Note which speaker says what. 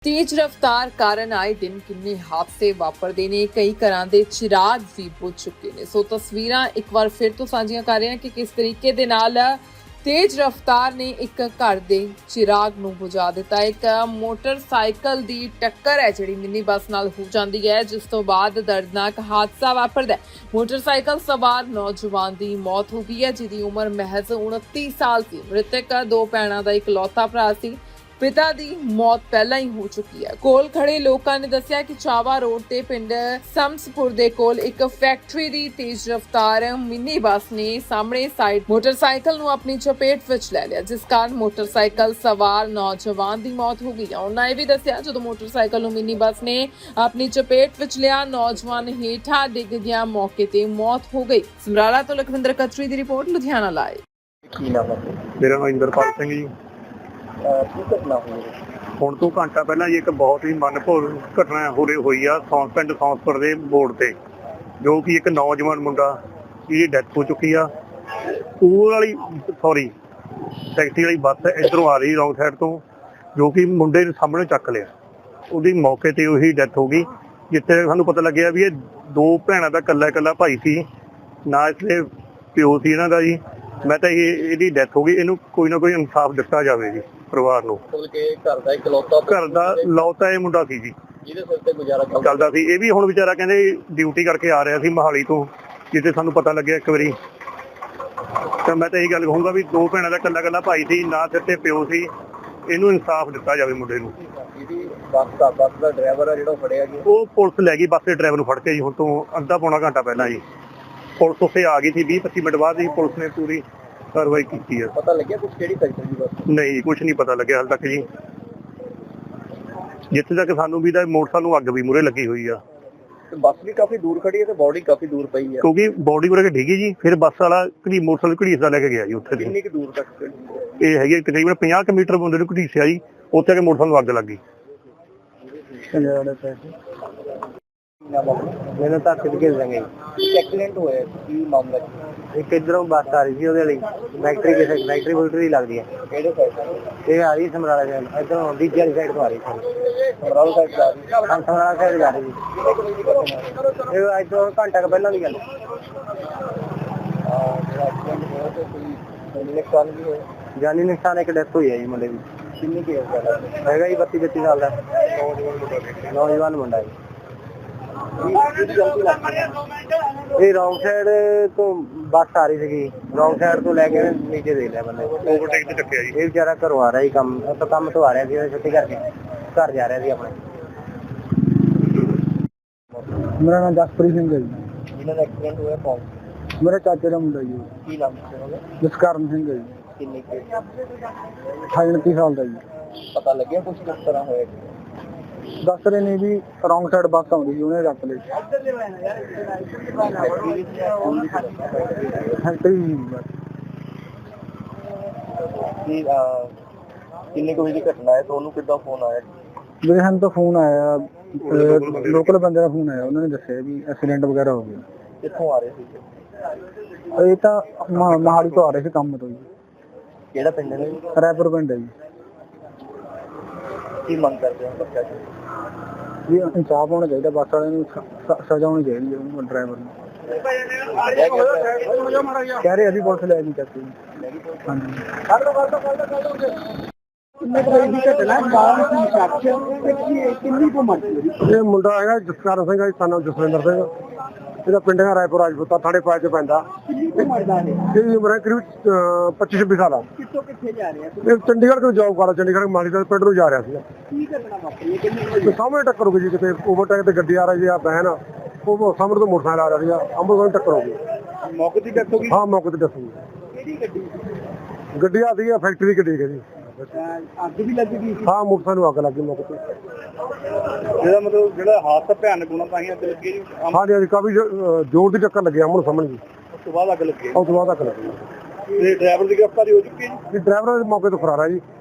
Speaker 1: तेज रफ्तार कारण आए दिन किन्ने हादसे वापरते ने कई घरां दे चिराग भी बुझ चुके ने सो तस्वीरां एक बार फिर तो साझियां कर रहे हैं कि किस तरीके दे नाल तेज रफ्तार ने एक घर दे चिराग ਨੂੰ बुझा ਦਿੱਤਾ। एक मोटरसाइकिल ਦੀ टक्कर है ਜਿਹੜੀ मिनी बस ਨਾਲ हो ਜਾਂਦੀ है जिस तो बाद दर्दनाक हादसा वापरदा है। मोटरसाइकिल सवार नौजवान ਦੀ मौत हो गई है जिसकी उम्र महज 29 साल ਸੀ। मृतक दो ਭੈਣਾਂ ਦਾ ਇਕਲੌਤਾ ਭਰਾ ਸੀ। पिता दी मौत पहला ही हो चुकी है। कोल खड़े लोगों ने दस्सिया कि चावा रोड ते पिंड समसपुर दे कोल एक फैक्ट्री दी तेज रफ्तार मिनी बस ने सामने साइड मोटरसाइकिल नूं अपनी चपेट विच ले लिया जिस कारण मोटरसाइकिल सवार नौजवान दी मौत हो गई। उन्होंने यह भी दस्सिया जदों मोटरसाइकिल नूं मिनी बस ने अपनी चपेट विच लिया नौजवान हेठा डिग गया, मौके ते मौत हो गई। समराला तो लखविंदर कतरी दी रिपोर्ट, लुधियाना लाइव।
Speaker 2: मेरा नाम इंद्रपाल सिंह जी। ਹੁਣ ਤੋਂ ਘੰਟਾ ਪਹਿਲਾਂ ਜੀ ਇੱਕ ਬਹੁਤ ਹੀ ਮਨਭਾਉ ਘਟਨਾ ਹੋਈ ਆ ਪਿੰਡ ਸੌਂਸਪੁਰ ਦੇ ਮੋੜ ਤੇ, ਜੋ ਕਿ ਇੱਕ ਨੌਜਵਾਨ ਮੁੰਡਾ ਜਿਹਦੀ ਡੈਥ ਹੋ ਚੁੱਕੀ ਆ। ਟੈਕਸੀ ਵਾਲੀ ਬੱਸ ਇੱਧਰੋਂ ਆ ਰਹੀ ਰੌਂਗ ਸਾਈਡ ਤੋਂ, ਜੋ ਕਿ ਮੁੰਡੇ ਨੂੰ ਸਾਹਮਣੇ ਚੱਕ ਲਿਆ। ਉਹਦੀ ਮੌਕੇ ਤੇ ਉਹੀ ਡੈਥ ਹੋ ਗਈ। ਜਿੱਥੇ ਸਾਨੂੰ ਪਤਾ ਲੱਗਿਆ ਵੀ ਇਹ ਦੋ ਭੈਣਾਂ ਦਾ ਇਕੱਲਾ ਭਾਈ ਸੀ, ਨਾ ਇਸਦੇ ਪਿਓ ਸੀ ਇਹਨਾਂ ਦਾ ਜੀ। ਮੈਂ ਤਾਂ ਇਹਦੀ ਡੈਥ ਹੋ ਗਈ, ਇਹਨੂੰ ਕੋਈ ਨਾ ਕੋਈ ਇਨਸਾਫ ਦਿੱਤਾ ਜਾਵੇ ਜੀ ਪਰਿਵਾਰ ਨੂੰ। ਘਰ ਦਾ ਲੌਤਾ ਇਹ ਮੁੰਡਾ ਸੀ ਜੀ, ਜਿਹਦੇ ਸਿਰ ਤੇ ਗੁਜ਼ਾਰਾ ਚੱਲਦਾ ਸੀ। ਇਹ ਵੀ ਹੁਣ ਵਿਚਾਰਾ ਕਹਿੰਦੇ ਡਿਊਟੀ ਕਰਕੇ ਆ ਰਿਹਾ ਸੀ ਮੋਹਾਲੀ ਤੋਂ, ਜਿੱਥੇ ਸਾਨੂੰ ਪਤਾ ਲੱਗਿਆ ਇੱਕ ਵਾਰੀ। ਤਾਂ ਮੈਂ ਤਾਂ ਇਹੀ ਗੱਲ ਕਹੂੰਗਾ ਵੀ ਦੋ ਭੈਣਾਂ ਦਾ ਇਕੱਲਾ ਭਾਈ ਸੀ, ਨਾ ਸਿਰ ਤੇ ਪਿਓ ਸੀ। ਇਹਨੂੰ ਇਨਸਾਫ ਦਿੱਤਾ ਜਾਵੇ ਮੁੰਡੇ ਨੂੰ।
Speaker 3: ਬੱਸ ਦਾ ਡਰਾਈਵਰ ਆ ਜਿਹੜਾ ਫੜਿਆ ਗਿਆ,
Speaker 2: ਉਹ ਪੁਲਿਸ ਲੈ ਗਈ ਬੱਸ ਦੇ ਡਰਾਈਵਰ ਨੂੰ ਫੜ ਕੇ ਜੀ। ਹੁਣ ਤੋਂ ਅੱਧਾ ਪੌਣਾ ਘੰਟਾ ਪਹਿਲਾਂ ਜੀ ਪੁਲਿਸ ਉੱਥੇ ਆ ਗਈ ਸੀ। 20-25 ਮਿੰਟ ਬਾਅਦ ਹੀ ਪੁਲਿਸ ਨੇ ਪੂਰੀ ਕਾਰਵਾਈ ਕੀਤੀ ਹੈ।
Speaker 3: ਪਤਾ ਲੱਗਿਆ ਕੁਝ ਕਿਹੜੀ ਫੈਕਟਰੀ ਦੀ ਬੱਸ?
Speaker 2: ਨਹੀਂ, ਕੁਝ ਨਹੀਂ ਪਤਾ ਲੱਗਿਆ ਹਾਲ ਤੱਕ ਜੀ। ਜਿੱਥੇ ਤੱਕ ਸਾਨੂੰ ਵੀ ਤਾਂ ਮੋਟਰਸਾਈਕਲ ਨੂੰ ਅੱਗ ਵੀ ਮੂਹਰੇ ਲੱਗੀ ਹੋਈ ਆ।
Speaker 3: ਬੱਸ ਵੀ ਕਾਫੀ ਦੂਰ ਖੜੀ ਹੈ ਤੇ ਬੋਡੀ ਕਾਫੀ ਦੂਰ ਪਈ ਹੈ,
Speaker 2: ਕਿਉਂਕਿ ਬੋਡੀ ਉਰੇ ਡਿੱਗੀ ਜੀ। ਫਿਰ ਬੱਸ ਵਾਲਾ ਮੋਟਰਸਾਈਕਲ ਘੜੀਸਦਾ ਲੈ ਕੇ ਗਿਆ ਜੀ ਉੱਥੇ ਦੀ।
Speaker 3: ਕਿੰਨੀ ਕੁ ਦੂਰ ਤੱਕ?
Speaker 2: ਇਹ ਹੈਗੀ ਤਕਰੀਬਨ 50 ਕੁ ਮੀਟਰ ਬੰਦੇ ਨੂੰ ਘੜੀਸਿਆ ਜੀ। ਉੱਥੇ ਆ ਕੇ ਮੋਟਰਸਾਈਕਲ ਨੂੰ ਅੱਗ ਲੱਗ ਗਈ।
Speaker 3: ਮੈਨੂੰ ਤਾਂ ਕਿੱਥੇ ਜਾਂਗੇ ਐਕਸੀਡੈਂਟ ਹੋਇਆ ਕੀ ਮਾਮਲਾ?
Speaker 4: ਇੱਕ ਇਧਰੋਂ ਬੱਸ ਆ ਰਹੀ ਸੀ, ਉਹਦੇ ਲਈ ਫੈਕਟਰੀ ਵੋਲਟਰੀ ਲੱਗਦੀ ਹੈ।
Speaker 3: ਕਿਹੜੇ ਸਾਈਡ?
Speaker 4: ਇਹ ਆ ਰਹੀ ਸਮਰਾਲਾ ਸਾਈਡ, ਇਧਰੋਂ ਦੂਜੀ ਵਾਲੀ ਸਾਈਡ ਤੋਂ ਆ ਰਹੀ ਸੀ।
Speaker 3: ਸਮਰਾਲਾ ਸਾਈਡ ਜਾ ਰਹੀ?
Speaker 4: ਸਮਰਾਲਾ ਸਾਈਡ ਜਾ ਰਹੀ ਸੀ। ਇਹ ਅੱਜ ਤੋਂ ਘੰਟਾ ਕੁ ਪਹਿਲਾਂ ਦੀ ਗੱਲ।
Speaker 3: ਨੁਕਸਾਨ ਵੀ ਹੋਇਆ?
Speaker 4: ਜਾਨੀ ਨੁਕਸਾਨ ਇੱਕ ਡੈਥ ਹੋਈ ਹੈ ਜੀ ਮੁੰਡੇ ਦੀ।
Speaker 3: ਕਿੰਨੀ ਕੀ
Speaker 4: ਹੈਗਾ ਜੀ 32-33 ਸਾਲ ਦਾ ਨੌਜਵਾਨ ਮੁੰਡਾ ਜੀ। ਇਹ ਰੌਂਗ ਸਾਈਡ ਤੋਂ ਬੱਸ ਆ ਰਹੀ ਸੀਗੀ, ਰੌਂਗ ਸਾਈਡ ਤੋਂ ਲੈ ਕੇ ਨੀਚੇ ਦੇ ਲਿਆ ਬੰਦੇ।
Speaker 2: ਓਵਰਟੇਕ ਤੇ ਚੱਕਿਆ ਜੀ।
Speaker 4: ਇਹ ਵਿਚਾਰਾ ਘਰੋਂ ਆ ਰਿਹਾ ਸੀ, ਕੰਮ ਤੋਂ ਆ ਰਿਹਾ ਸੀ, ਛੁੱਟੀ ਕਰਕੇ ਘਰ ਜਾ ਰਿਹਾ ਸੀ ਆਪਣੇ। ਮੇਰਾ ਨਾਮ ਜਸਪ੍ਰੀਤ ਸਿੰਘ ਹੈ ਜੀ।
Speaker 3: ਜਿਹਨਾਂ ਦਾ ਐਕਸੀਡੈਂਟ ਹੋਇਆ ਕੌਣ?
Speaker 4: ਮੇਰੇ ਚਾਚੇ ਦਾ ਮੁੰਡਾ ਜੀ।
Speaker 3: ਕੀ ਨਾਮ ਸੀ ਉਹਦਾ?
Speaker 4: ਜਸਕਰਨ ਸਿੰਘ ਹੈ ਜੀ।
Speaker 3: ਕਿੰਨੀ ਕੁ?
Speaker 4: 28-29 ਸਾਲ ਦਾ ਜੀ।
Speaker 3: ਪਤਾ ਲੱਗਿਆ ਕੁਝ ਕਿਸ ਤਰ੍ਹਾਂ ਹੋਇਆ?
Speaker 4: ਦੱਸ ਰਹੇ ਨੇ ਵੀ ਰੌਂਗ ਸਾਈਡ ਬੱਸ ਆਉਂਦੀ ਸੀ, ਉਹਨੇ ਰੱਖ ਲਈ।
Speaker 3: ਕਿੰਨੇ ਕੁ ਵਜੇ ਦੀ ਘਟਨਾ ਹੈ? ਤੁਹਾਨੂੰ ਕਿੱਦਾਂ ਫੋਨ ਆਇਆ?
Speaker 4: ਮੇਰੇ ਸਾਨੂੰ ਤਾਂ ਫੋਨ ਆਇਆ, ਲੋਕਲ ਬੰਦੇ ਦਾ ਫੋਨ ਆਇਆ। ਉਹਨਾਂ ਨੇ ਦੱਸਿਆ ਵੀ ਐਕਸੀਡੈਂਟ ਵਗੈਰਾ ਹੋ ਗਿਆ।
Speaker 3: ਕਿੱਥੋਂ ਆ ਰਹੇ ਸੀ?
Speaker 4: ਇਹ ਤਾਂ ਮੋਹਾਲੀ ਤੋਂ ਆ ਰਹੇ ਸੀ ਕੰਮ ਤੋਂ ਜੀ।
Speaker 3: ਕਿਹੜਾ ਪਿੰਡ ਹੈ?
Speaker 4: ਰਾਏਪੁਰ ਪਿੰਡ ਹੈ ਜੀ।
Speaker 3: ਕੀ ਮੰਗ ਕਰਦੇ ਹੋ ਬੱਚਾ ਜੀ?
Speaker 4: ਵੀ ਇਨਸਾਫ ਹੋਣਾ ਚਾਹੀਦਾ, ਬੱਸ ਵਾਲਿਆਂ ਨੂੰ ਸਜ਼ਾ ਹੋਣੀ ਚਾਹੀਦੀ ਹੈ ਡਰਾਈਵਰ ਨੂੰ। ਕਹਿ ਰਹੇ ਅਸੀਂ ਪੁਲਿਸ ਲੈ ਨਹੀਂ ਸਕਦੇ। ਹਾਂਜੀ। ਇਹ ਮੁੰਡਾ ਹੈਗਾ ਜਸਕਰਨ ਸਿੰਘ, ਸਾਨੂੰ ਜਸਵਿੰਦਰ ਸਿੰਘ। ਇਹਦਾ ਪਿੰਡ ਹੈ ਰਾਏਪੁਰ ਰਾਜਪੂਤਾ, ਥਾਣੇ ਪਾਇ ਚ ਪੈਂਦਾ। ਇਹਦੀ ਉਮਰ ਹੈ ਕਰੀਬ 25-26 ਸਾਲ ਆ।
Speaker 3: ਕਿੱਥੋਂ ਕਿੱਥੇ ਜਾ ਰਹੇ ਆ?
Speaker 4: ਇਹ ਚੰਡੀਗੜ੍ਹ ਤੋਂ ਜੌਬ ਕਰਦਾ, ਚੰਡੀਗੜ੍ਹ ਮਾਲੀ ਦਾ ਪਿੰਡ ਨੂੰ ਜਾ ਰਿਹਾ ਸੀ।
Speaker 3: ਕੀ ਘਟਨਾ ਵਾਪਰੀ? ਕਿੰਨੇ
Speaker 4: ਸਾਹਮਣੇ ਟੱਕਰ ਹੋ ਗਈ ਜੀ, ਕਿਤੇ ਓਵਰਟੇਕ ਤੇ ਗੱਡੀ ਆ ਰਹੀ ਆ ਬਹਿਨ, ਉਹ ਸਾਹਮਣੇ ਤੋਂ ਮੋਟਰਸਾਈਕਲ ਆ ਰਿਹਾ ਸੀਗਾ, ਅੰਮ੍ਰਿਤਸਰ ਨੂੰ ਟੱਕਰ ਹੋ ਗਈ।
Speaker 3: ਮੌਕੇ ਦੀ ਡੈਥ ਹੋ ਗਈ?
Speaker 4: ਹਾਂ, ਮੌਕੇ ਤੇ ਡੈਥ ਹੋ ਗਈ।
Speaker 3: ਕਿਹੜੀ ਗੱਡੀ?
Speaker 4: ਗੱਡੀ ਆ ਸੀਗੀ ਫੈਕਟਰੀ ਦੀ ਗੱਡੀ ਹੈ ਜੀ।
Speaker 3: ਅੱਗ ਵੀ ਲੱਗ ਗਈ?
Speaker 4: ਹਾਂ, ਮੋਟਰਸਾਈਕਲ ਨੂੰ ਅੱਗ ਲੱਗ ਗਈ ਮੌਕੇ ਤੇ।
Speaker 3: ਇਹਦਾ ਮਤਲਬ ਜਿਹੜਾ ਹਾਦਸਾ ਭਿਆਨਕ ਹੋਣਾ ਤਾਂ ਹੀ ਅੱਗ ਲੱਗੀ ਜੀ?
Speaker 4: ਹਾਂਜੀ ਹਾਂਜੀ, ਕਾਫੀ ਜ਼ੋਰ ਦੀ ਟੱਕਰ ਲੱਗੀ ਅੰਮ੍ਰਿਤਸਰ ਸਾਹਮਣੇ ਜੀ।
Speaker 3: ਉਸ ਤੋਂ ਬਾਅਦ ਅੱਗ ਲੱਗੀ?
Speaker 4: ਉਸ ਤੋਂ ਬਾਅਦ ਅੱਗ ਲੱਗੀ।
Speaker 3: ਤੇ ਡਰਾਈਵਰ ਦੀ ਗ੍ਰਿਫਤਾਰੀ ਹੋ ਚੁੱਕੀ ਹੈ ਜੀ?
Speaker 4: ਡਰਾਈਵਰ ਮੌਕੇ ਤੋਂ ਫਰਾਰ ਹੈ ਜੀ।